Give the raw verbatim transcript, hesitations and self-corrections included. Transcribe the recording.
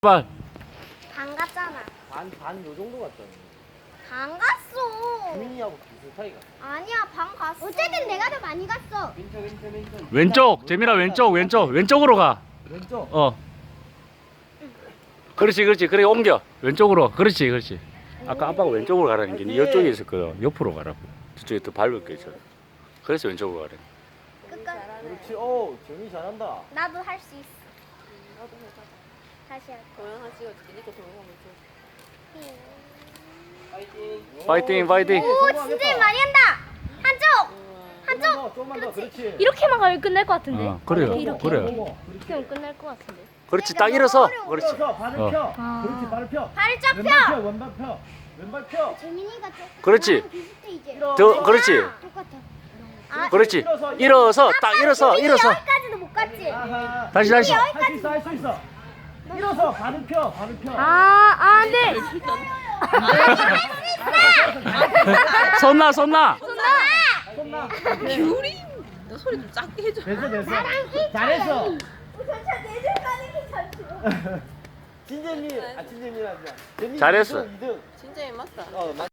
발. 반 갔잖아. 반, 반 요 정도 갔잖아. 반 갔어. 주민이하고 비슷하게 갔어. 아니야, 반 갔어. 어쨌든 내가 더 많이 갔어. 왼쪽, 왼쪽, 왼쪽. 왼쪽. 재민아 왼쪽 왼쪽 왼쪽으로 가. 왼쪽. 어. 그렇지 그렇지. 그래 옮겨. 왼쪽으로. 그렇지 그렇지. 아까 아빠가 왼쪽으로 가라는 게 이쪽에 있었거든. 옆으로 가라고. 저쪽에 더 밟을 게 있어. 그래서 왼쪽으로 가래. 끝까지. 그렇지. 오, 재민이 잘한다. 나도 할 수 있어. 다시 할게. 동영상 찍어줄게. 니꺼 동영상 못 파이팅. 파이팅 파이팅. 오, 진짜 많이 한다. 한쪽. 한쪽. 조금만 더, 조금만 더. 그렇지. 이렇게만 가면 끝날 것 같은데. 어, 그래요. 이렇게, 그래. 이렇게 하면 끝날 것 같은데. 그렇지 딱 일어서. 그렇지. 일어서 발을 어. 펴. 아. 그렇지, 발을 펴. 발을 쫙 왼발 펴, 펴. 왼발 펴. 왼발 펴. 재민이가 조금 그렇지. 나랑 비슷해 이제. 더 그렇지. 똑같아. 아, 그렇지. 일어서 딱 일어서 재민이 일어서. 여기까지도 못 갔지. 아하. 다시 다시. 할 수 있어, 할 수 있어. 일어서 발을 펴, 발을 펴. 아, 아, 네. 손나 손나. 손나. 귤이 너 소리 좀 작게 해줘. 됐어, 됐어. 잘했어. 전차 내줄 가는 게 전차. 진재민, 아 진재민 아니야. 재민이 잘했어. 이 등. 진짜 맞다. 어, 맞.